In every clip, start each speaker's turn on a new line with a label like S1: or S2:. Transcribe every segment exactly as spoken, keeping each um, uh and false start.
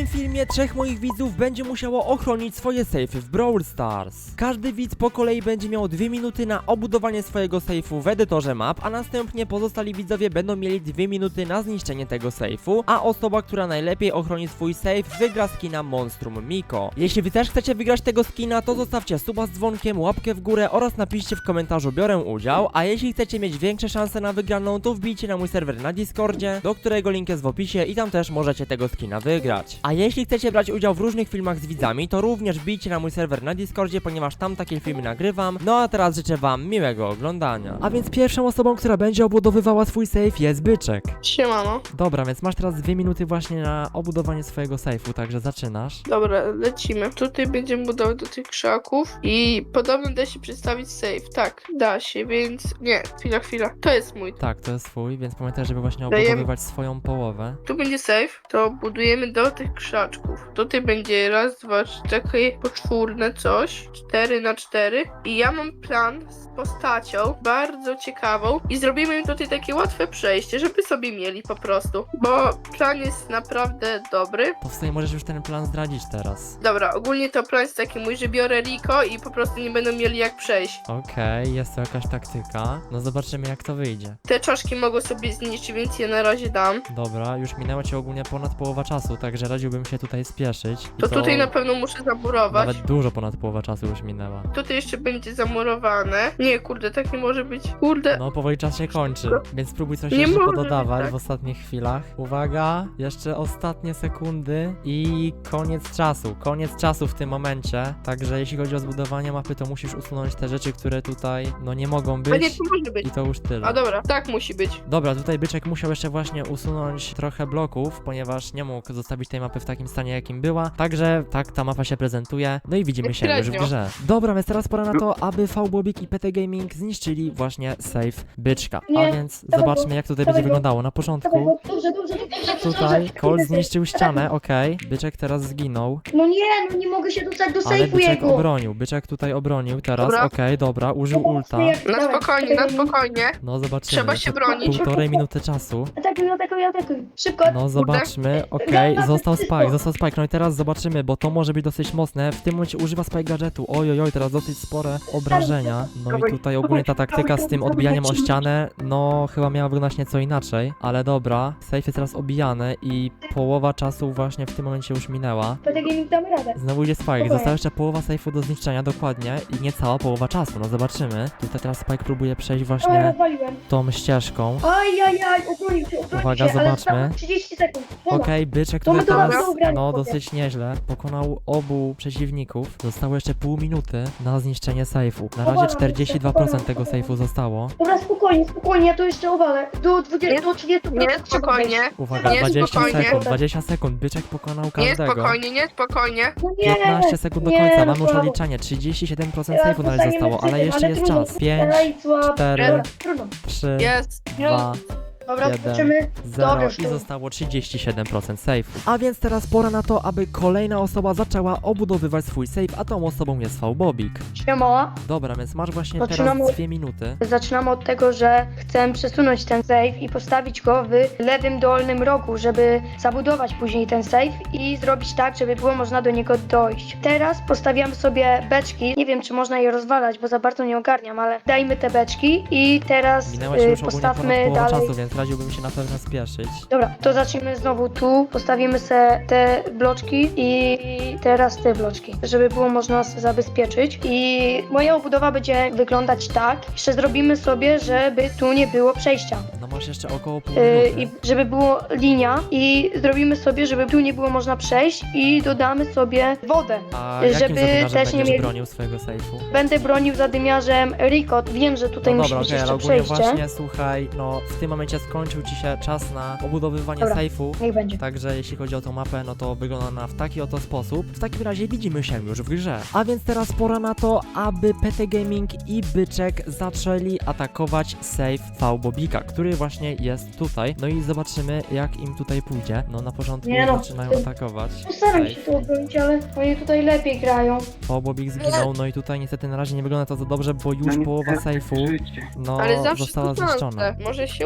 S1: tym filmie trzech moich widzów będzie musiało ochronić swoje sejfy w Brawl Stars. Każdy widz po kolei będzie miał dwie minuty na obudowanie swojego sejfu w edytorze map, a następnie pozostali widzowie będą mieli dwie minuty na zniszczenie tego sejfu, a osoba, która najlepiej ochroni swój sejf, wygra skina Monstrum Miko. Jeśli wy też chcecie wygrać tego skina, to zostawcie suba z dzwonkiem, łapkę w górę oraz napiszcie w komentarzu biorę udział, a jeśli chcecie mieć większe szanse na wygraną, to wbijcie na mój serwer na Discordzie, do którego link jest w opisie i tam też możecie tego skina wygrać. A jeśli chcecie brać udział w różnych filmach z widzami, to również wbijcie na mój serwer na Discordzie, ponieważ tam takie filmy nagrywam. No a teraz życzę wam miłego oglądania. A więc pierwszą osobą, która będzie obudowywała swój sejf, jest Byczek.
S2: Siemano.
S1: Dobra, więc masz teraz dwie minuty właśnie na obudowanie swojego sejfu, także zaczynasz.
S2: Dobra, lecimy. Tutaj będziemy budować do tych krzaków i podobno da się przedstawić safe. Tak, da się, więc... Nie, chwila, chwila. To jest mój.
S1: Tak, to jest twój, więc pamiętaj, żeby właśnie
S2: Dajemy-
S1: obudowywać swoją połowę.
S2: Tu będzie safe, to budujemy do tych krzaczków. Tutaj będzie raz, dwa, trzy, takie poczwórne coś. Cztery na cztery. I ja mam plan z postacią bardzo ciekawą i zrobimy im tutaj takie łatwe przejście, żeby sobie mieli po prostu. Bo plan jest naprawdę dobry.
S1: To w sumie możesz już ten plan zdradzić teraz.
S2: Dobra, ogólnie to plan jest taki mój, że biorę Rico i po prostu nie będą mieli jak przejść.
S1: Okej, jest to jakaś taktyka. No zobaczymy, jak to wyjdzie.
S2: Te czaszki mogą sobie zniszczyć, więc je na razie dam.
S1: Dobra, już minęło ci ogólnie ponad połowa czasu, także radziłbym się tutaj spieszyć. I
S2: To tutaj na pewno muszę zamurować.
S1: nawet dużo ponad połowa czasu już minęła.
S2: Tutaj jeszcze będzie zamurowane. Nie, kurde, tak nie może być. Kurde.
S1: No, powoli czas się kończy, więc spróbuj coś
S2: Nie
S1: jeszcze
S2: może
S1: pododawać
S2: być tak.
S1: w ostatnich chwilach. Uwaga, jeszcze ostatnie sekundy i koniec czasu. Koniec czasu w tym momencie. Także jeśli chodzi o zbudowanie mapy, to musisz usunąć te rzeczy, które tutaj, no nie mogą
S2: A nie,
S1: być.
S2: to może być.
S1: I to już tyle.
S2: A dobra, tak musi być.
S1: Dobra, tutaj Byczek musiał jeszcze właśnie usunąć trochę bloków, ponieważ nie mógł zostawić tej mapy w takim stanie, jakim była. Także tak ta mapa się prezentuje. No i widzimy się już w
S2: Średnio.
S1: grze. Dobra, więc teraz pora na to, aby V-Bobik i P T Gaming zniszczyli właśnie save Byczka. A
S3: Nie,
S1: więc
S3: dawaj
S1: zobaczmy,
S3: go,
S1: jak tutaj
S3: dawaj
S1: będzie
S3: go.
S1: wyglądało. Na
S3: Dawaj
S1: początku
S3: go, dobrze, dobrze, dobrze,
S1: tutaj
S3: dobrze.
S1: Colt
S3: Kurde,
S1: zniszczył
S3: safe.
S1: ścianę, okej. Byczek teraz zginął,
S3: No nie, no nie mogę się dostać do
S1: ale
S3: sejfu
S1: Byczek
S3: jego.
S1: obronił. Byczek tutaj obronił teraz,
S2: Dobra.
S1: okej, dobra, użył ulta.
S2: Na spokojnie, na spokojnie.
S1: No zobaczymy.
S2: Trzeba się
S1: To
S2: bronić.
S1: Półtorej minuty czasu.
S3: Atakuj, atakuj, atakuj. Szybko.
S1: No zobaczmy, okej,
S3: Dobra,
S1: został
S3: wszystko.
S1: Spike, został Spike, no i teraz zobaczymy, bo to może być dosyć mocne. W tym momencie używa Spike gadżetu, oj oj oj, teraz dosyć spore obrażenia. No i tutaj ogólnie ta taktyka z tym odbijaniem o ścianę, no chyba miała wyglądać nieco inaczej. Ale dobra, safe jest teraz obijany i połowa czasu właśnie w tym momencie już minęła.
S3: P T Gaming damy radę.
S1: Znowu idzie Spike, została jeszcze połowa safe'u do zniszczenia, dokładnie, i niecała połowa czasu, no zobaczymy. Tutaj teraz Spike próbuje przejść
S3: O,
S1: właśnie
S3: rozwaliłem.
S1: tą ścieżką.
S3: Ajajaj, obronił się, obronił
S1: Uwaga,
S3: się, ale
S1: zobaczmy.
S3: zostało trzydzieści sekund. Dobra.
S1: Okej, Byczek
S3: To
S1: tutaj
S3: my to
S1: teraz,
S3: mamy ugrane,
S1: no
S3: chłopie.
S1: dosyć nieźle, pokonał obu przeciwników. Zostało jeszcze pół minuty na zniszczenie sejfu. Na razie czterdzieści dwa procent tego sejfu zostało.
S3: Dobra, spokojnie, spokojnie, ja to jeszcze owalę. Do dwudziestu, do trzydziestu
S2: Nie,
S3: procent trzeba
S2: spokojnie.
S3: wejść.
S1: Uwaga,
S2: Nie,
S1: dwadzieścia
S2: spokojnie.
S1: sekund, dwadzieścia sekund, Byczek pokonał
S2: Nie,
S1: każdego.
S2: spokojnie, nie, spokojnie.
S3: No nie,
S1: piętnaście sekund do
S3: nie,
S1: końca,
S3: no
S1: mamy już
S3: słabo.
S1: odliczanie, trzydzieści siedem procent
S3: Ja
S1: sejfu na razie
S3: zostaniemy
S1: zostało, ale
S3: przy tym,
S1: jeszcze jest
S3: trudno.
S1: czas. pięć,
S3: Ej, słabo.
S1: cztery,
S3: Dobra, trudno.
S1: trzy,
S2: Jest.
S1: dwa,
S3: Dobra,
S1: jeden.
S3: zobaczymy.
S1: zero
S3: Dobra,
S1: i
S3: już.
S1: zostało trzydzieści siedem procent sejfu. A więc teraz pora na to, aby kolejna osoba zaczęła obudowywać swój sejf, a tą osobą jest V-Bobik.
S3: Siema.
S1: Dobra, więc masz właśnie
S3: Zaczynamy
S1: teraz
S3: od-
S1: dwie minuty.
S3: Zaczynamy od tego, że chcę przesunąć ten save i postawić go w lewym dolnym rogu, żeby zabudować później ten save i zrobić tak, żeby było można do niego dojść. Teraz postawiam sobie beczki. Nie wiem, czy można je rozwalać, bo za bardzo nie ogarniam, ale dajmy te beczki i teraz
S1: Minęła się
S3: y,
S1: już ogólnie ponad
S3: postawmy
S1: połowa
S3: dalej.
S1: czasu, więc radziłbym się na pewno spieszyć.
S3: Dobra, to zacznijmy znowu tu. Postawimy se te bloczki i teraz te bloczki, żeby było można s- zabezpieczyć. I moja obudowa będzie wyglądać tak. Jeszcze zrobimy sobie, żeby tu nie było przejścia.
S1: No masz jeszcze około pół
S3: Yy,
S1: minuty.
S3: I żeby było linia i zrobimy sobie, żeby tu nie było można przejść i dodamy sobie wodę.
S1: A jakim
S3: żeby
S1: zadymiarzem
S3: też nie
S1: będziesz
S3: mieli-
S1: bronił swojego sejfu?
S3: Będę bronił zadymiarzem Ricot. Wiem, że tutaj
S1: No
S3: musi
S1: dobra,
S3: być
S1: okej, ale
S3: jeszcze
S1: ogólnie
S3: przejście.
S1: właśnie, słuchaj, no w tym momencie skończył ci się czas na obudowywanie
S3: Dobra.
S1: sejfu.
S3: Niech będzie.
S1: Także jeśli chodzi o tą mapę, no to wygląda ona w taki oto sposób. W takim razie widzimy się już w grze. A więc teraz pora na to, aby P T Gaming i Byczek zaczęli atakować save V-Bobika, który właśnie jest tutaj. No i zobaczymy, jak im tutaj pójdzie. No na początku
S3: Nie no,
S1: zaczynają
S3: to-
S1: atakować.
S3: Postaram się
S1: save.
S3: to obronić, ale oni tutaj lepiej grają.
S1: V-Bobik zginął, no i tutaj niestety na razie nie wygląda to za dobrze, bo już
S4: No
S1: połowa
S4: niestety,
S1: sejfu
S4: życie.
S1: no
S2: Ale zawsze
S1: została
S2: to
S1: zniszczona.
S2: Może się uda.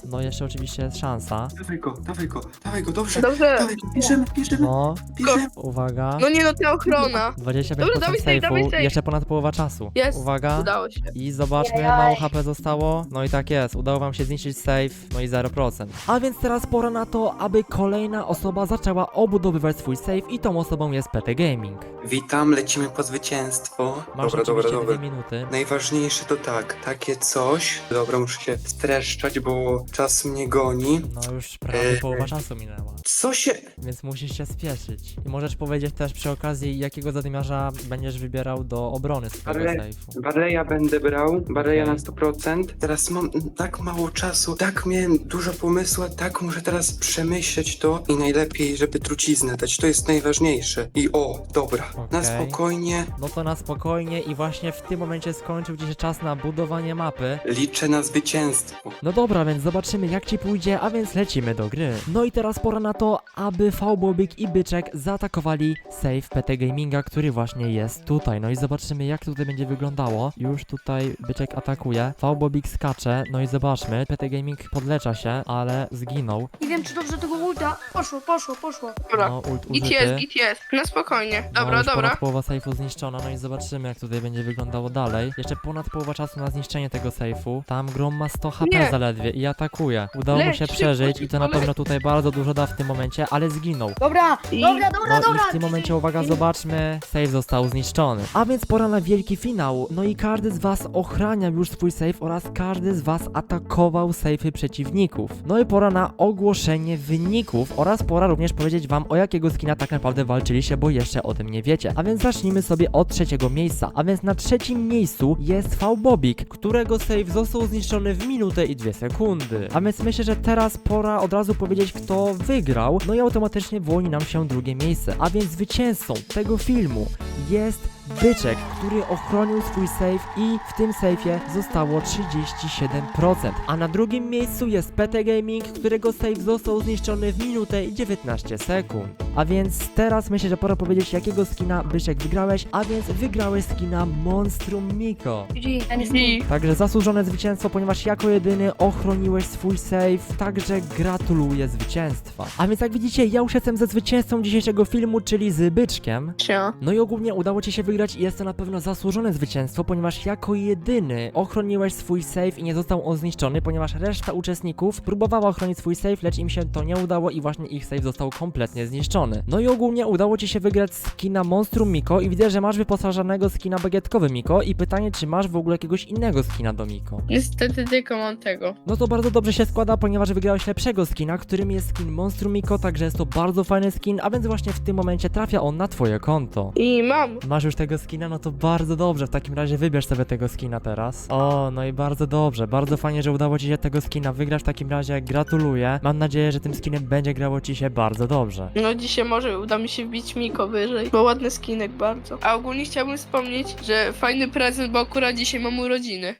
S1: no jeszcze oczywiście jest szansa.
S4: Dawaj go, dawaj go, dawaj go, dobrze.
S2: Dobrze.
S4: Dawaj go, bierzemy, bierzemy,
S1: No,
S4: bierzemy.
S1: uwaga.
S2: No nie no, ta ochrona.
S1: dwadzieścia pięć
S2: Dobra,
S1: procent
S2: dawaj safe, dawaj
S1: safe'u,
S2: safe.
S1: jeszcze ponad połowa czasu.
S2: Jest.
S1: Uwaga.
S2: Udało się.
S1: I zobaczmy,
S3: Jajaj.
S1: mało H P zostało. No i tak jest, udało wam się zniszczyć safe, no i zero procent. A więc teraz pora na to, aby kolejna osoba zaczęła obudowywać swój safe i tą osobą jest P T Gaming.
S4: Witam, lecimy po zwycięstwo.
S1: Masz
S4: Dobra, dobra,
S1: oczywiście
S4: dobra.
S1: dwie minuty.
S4: Najważniejsze to tak, takie coś. Dobra, muszę się streszczać, bo czas mnie goni.
S1: No już prawie
S4: Eee.
S1: połowa czasu minęła,
S4: Co się...
S1: więc musisz się spieszyć. I możesz powiedzieć też przy okazji, jakiego zadymiarza będziesz wybierał do obrony swojego
S4: Ale-
S1: safe'u.
S4: Barleya będę brał, Barleya
S1: Okej.
S4: na sto procent. Teraz mam tak mało czasu, tak miałem dużo pomysłu, a tak muszę teraz przemyśleć to i najlepiej, żeby truciznę dać, to jest najważniejsze. I o, dobra, na
S1: Okej.
S4: spokojnie,
S1: No to na spokojnie i właśnie w tym momencie skończył ci się czas na budowanie mapy.
S4: liczę na zwycięstwo.
S1: No dobra, więc zobaczymy jak ci pójdzie, a więc lecimy do gry. No i teraz pora na to, aby V-Bobik i Byczek zaatakowali save P T Gaminga, który właśnie jest tutaj. No i zobaczymy jak tutaj będzie wyglądało. Już tutaj Byczek atakuje, V-Bobik skacze, no i zobaczmy, P T Gaming podlecza się, ale zginął.
S3: Nie wiem, czy dobrze tego ulta. Poszło, poszło, poszło.
S2: Dobra.
S1: No ult
S2: Git
S1: użyty.
S2: jest, git jest. Na spokojnie.
S1: No,
S2: Dobra,
S1: już
S2: dobra.
S1: ponad połowa sejfu zniszczona, no i zobaczymy jak tutaj będzie wyglądało dalej. Jeszcze ponad połowa czasu na zniszczenie tego sejfu. Tam Grom ma sto H P
S2: Nie.
S1: zaledwie i atakuje. Udało mu
S2: Leć,
S1: się
S2: szybko,
S1: przeżyć i to na
S2: szybko,
S1: pewno tutaj bardzo dużo da w tym momencie, ale zginął.
S3: Dobra,
S2: I-
S3: dobra, dobra,
S1: No
S3: dobra.
S1: i w tym momencie, uwaga, zobaczmy, save został zniszczony. A więc pora na wielki finał. No i każdy z was ochraniał już swój save oraz każdy z was atakował safe'y przeciwników. No i pora na ogłoszenie wyników oraz pora również powiedzieć wam, o jakiego skina tak naprawdę walczyliście, bo jeszcze o tym nie wiecie. A więc zacznijmy sobie od trzeciego miejsca. A więc na trzecim miejscu jest V-Bobik, którego save został zniszczony w minutę i dwie sekundy. A więc myślę, że teraz pora od razu powiedzieć, kto wygrał. No i automatycznie wyłoni nam się drugie miejsce. A więc zwycięzcą tego filmu jest Byczek, który ochronił swój save i w tym safe'ie zostało trzydzieści siedem procent. A na drugim miejscu jest P T Gaming, którego save został zniszczony w minutę i dziewiętnaście sekund. A więc teraz myślę, że pora powiedzieć, jakiego skina Byczek wygrałeś, a więc wygrałeś skina Monstrum Miko.
S3: G G, ten jest
S2: I
S1: Także zasłużone zwycięstwo, ponieważ jako jedyny ochroniłeś swój save, także gratuluję zwycięstwa. A więc jak widzicie, ja już jestem ze zwycięzcą dzisiejszego filmu, czyli z Byczkiem.
S2: Cia.
S1: No i ogólnie udało ci się wygrać i jest to na pewno zasłużone zwycięstwo, ponieważ jako jedyny ochroniłeś swój save i nie został on zniszczony, ponieważ reszta uczestników próbowała ochronić swój save, lecz im się to nie udało i właśnie ich save został kompletnie zniszczony. No i ogólnie udało ci się wygrać skina Monstrum Miko i widzę, że masz wyposażonego skina bagietkowy Miko i pytanie, czy masz w ogóle jakiegoś innego skina do Miko?
S2: Niestety tylko mam tego.
S1: No to bardzo dobrze się składa, ponieważ wygrałeś lepszego skina, którym jest skin Monstrum Miko, także jest to bardzo fajny skin, a więc właśnie w tym momencie trafia on na twoje konto.
S2: I mam.
S1: Masz już tego skina, no to bardzo dobrze, w takim razie wybierz sobie tego skina teraz. O, no i bardzo dobrze, bardzo fajnie, że udało ci się tego skina wygrać, w takim razie gratuluję. Mam nadzieję, że tym skinem będzie grało ci się bardzo dobrze.
S2: No dzisiaj może uda mi się wbić Miko wyżej, bo ładny skinek bardzo. A ogólnie chciałbym wspomnieć, że fajny prezent, bo akurat dzisiaj mam urodziny.